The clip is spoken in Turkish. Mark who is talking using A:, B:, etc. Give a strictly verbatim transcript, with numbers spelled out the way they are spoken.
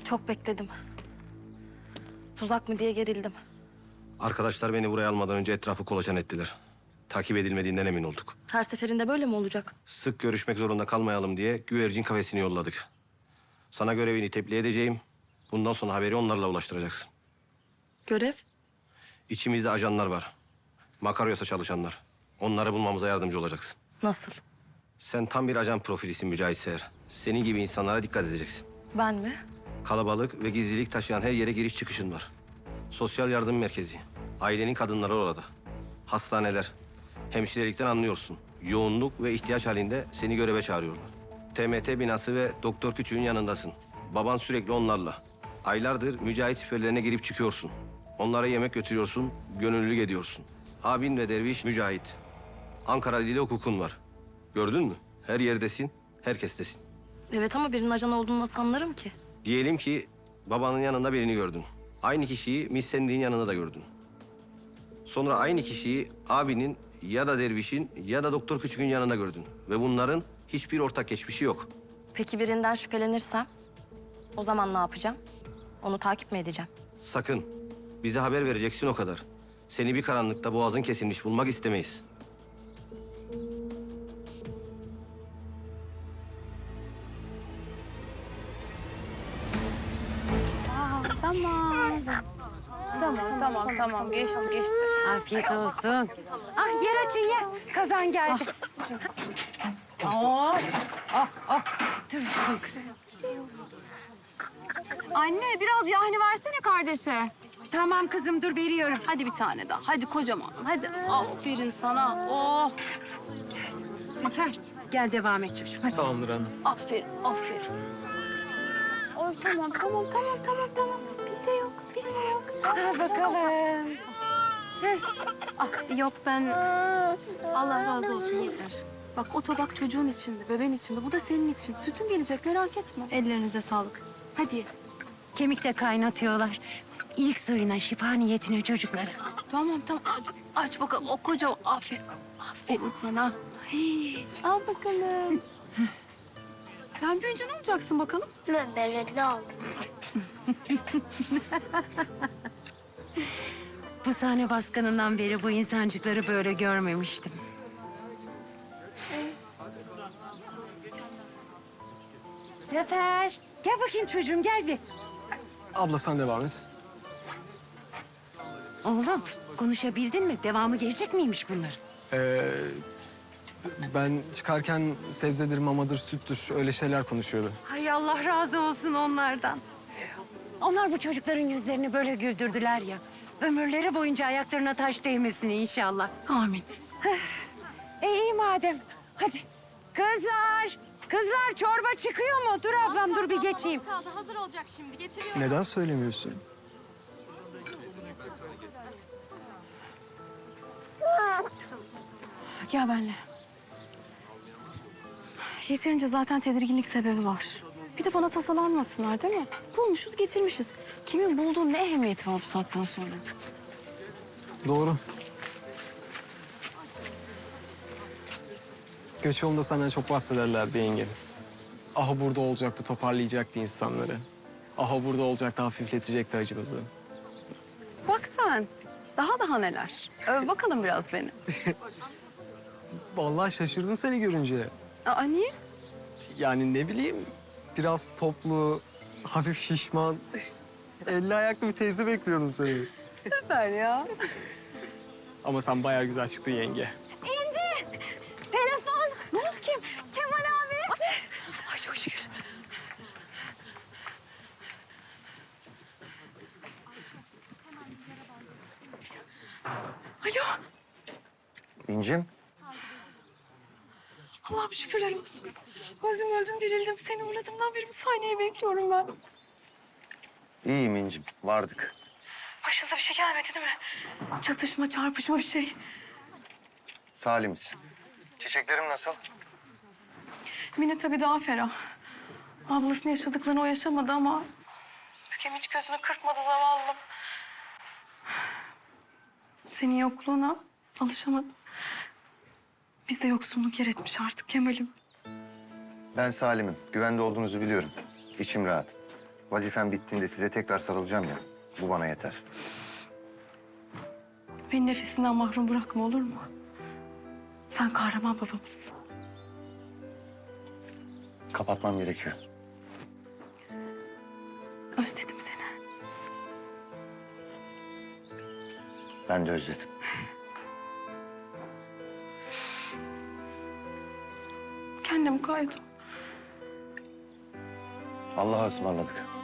A: Çok bekledim. Tuzak mı diye gerildim.
B: Arkadaşlar beni buraya almadan önce etrafı kolaçan ettiler. Takip edilmediğinden emin olduk.
A: Her seferinde böyle mi olacak?
B: Sık görüşmek zorunda kalmayalım diye güvercin kafesini yolladık. Sana görevini tebliğ edeceğim. Bundan sonra haberi onlarla ulaştıracaksın.
A: Görev?
B: İçimizde ajanlar var. Makaryos'a çalışanlar. Onları bulmamıza yardımcı olacaksın.
A: Nasıl?
B: Sen tam bir ajan profilisin Mücahit Seher. Senin gibi insanlara dikkat edeceksin.
A: Ben mi?
B: Kalabalık ve gizlilik taşıyan her yere giriş çıkışın var. Sosyal yardım merkezi. Ailenin kadınları orada. Hastaneler. Hemşirelikten anlıyorsun. Yoğunluk ve ihtiyaç halinde seni göreve çağırıyorlar. T M T binası ve Doktor Küçük'ün yanındasın. Baban sürekli onlarla. Aylardır Mücahit siperlerine girip çıkıyorsun. Onlara yemek götürüyorsun, gönüllülük ediyorsun. Abin ve derviş Mücahit. Ankara Dili hukukun var. Gördün mü? Her yerdesin, herkestesin.
A: Evet ama birinin ajan olduğunu nasıl anlarım ki?
B: Diyelim ki babanın yanında birini gördün. Aynı kişiyi Miss Sandy'nin yanında da gördün. Sonra aynı kişiyi abinin ya da dervişin ya da Doktor Küçük'ün yanında gördün. Ve bunların hiçbir ortak geçmişi yok.
A: Peki birinden şüphelenirsem? O zaman ne yapacağım? Onu takip mi edeceğim?
B: Sakın. Bize haber vereceksin o kadar. Seni bir karanlıkta boğazın kesilmiş bulmak istemeyiz.
C: Tamam. Tamam, tamam, tamam. Geçti, geçti.
D: Afiyet olsun. Ah yer açın yer. Kazan geldi. Oh, oh, oh. Dur, dur kızım.
C: Anne, biraz yahni versene kardeşe.
D: Tamam kızım dur veriyorum.
C: Hadi bir tane daha. Hadi kocaman. Hadi. Aferin sana. Oh.
D: Sefer gel devam et çocuğum. Hadi.
E: Tamamdır anne.
C: Aferin, aferin. Oy tamam, tamam, tamam, tamam, tamam. Bir şey yok, bir şey yok.
D: Al bakalım.
C: Ah, yok ben... Allah razı olsun yeter. Bak o tabak çocuğun içinde, bebeğin içinde. Bu da senin için. Sütün gelecek, merak etme. Ellerinize sağlık. Hadi.
D: Kemik de kaynatıyorlar. İlk suyuna şifa niyetine çocuklara.
C: Tamam, tamam. Aç, aç bakalım. O koca, aferin. Aferin sana. Hey, al bakalım. Sen büyüyünce ne olacaksın bakalım?
F: Ben belirli oldum.
D: Bu sahne baskınından beri bu insancıkları böyle görmemiştim. Sefer, gel bakayım çocuğum gel bir.
E: Abla sen devam et.
D: Oğlum, konuşabildin mi? Devamı gelecek miymiş bunlar?
E: Ee, ben çıkarken sebzedir, mamadır, süttür öyle şeyler konuşuyordu.
D: Hay Allah razı olsun onlardan. Onlar bu çocukların yüzlerini böyle güldürdüler ya. Ömürleri boyunca ayaklarına taş değmesin inşallah.
C: Amin.
D: E iyi madem. Hadi. Kızlar, kızlar çorba çıkıyor mu? Dur ablam dur bir geçeyim.
C: Kaldı, hazır olacak şimdi. Getiriyorum.
E: Neden söylemiyorsun?
C: Gel benimle. Yeterince zaten tedirginlik sebebi var. Bir de bana tasalanmasınlar değil mi? Bulmuşuz, getirmişiz. Kimin bulduğu ne ehemmiyeti var bu saatten sonra?
E: Doğru. Göç yolunda senden çok bahsederlerdi yenge. Aha burada olacaktı, toparlayacaktı insanları. Aha burada olacaktı, hafifletecekti acımızı.
C: Bak sen, daha daha neler. Öv bakalım biraz beni.
E: Vallahi şaşırdım seni görünce.
C: Aa, niye?
E: Yani ne bileyim, biraz toplu, hafif şişman, elli ayaklı bir teyze bekliyordum seni.
C: Süper ya.
E: Ama sen bayağı güzel çıktın yenge.
C: Telefon. Ne oldu kim? Kemal abi. Ay çok şükür. Alo.
G: İncim,
C: Allah'ım şükürler olsun. Öldüm öldüm dirildim. Seni uğradığımdan beri bu sahneyi bekliyorum ben.
G: iyiyim İncim. Vardık.
C: Başınıza bir şey gelmedi değil mi? Çatışma, çarpışma bir şey.
G: Salimiz. Çiçeklerim nasıl?
C: Mine tabii daha ferah. Ablasının yaşadıklarını o yaşamadı ama... Bükem hiç gözünü kırpmadı zavallım. Senin yokluğuna alışamadım. Bizde yoksunluk yer etmiş artık Kemal'im.
G: Ben Salim'im. Güvende olduğunuzu biliyorum. İçim rahat. Vazifem bittiğinde size tekrar sarılacağım ya. Bu bana yeter.
C: Beni nefesinden mahrum bırakma olur mu? Sen kahraman babamızsın.
G: Kapatmam gerekiyor.
C: Özledim seni.
G: Ben de özledim.
C: Kendim kaydım.
G: Allah'a ısmarladık.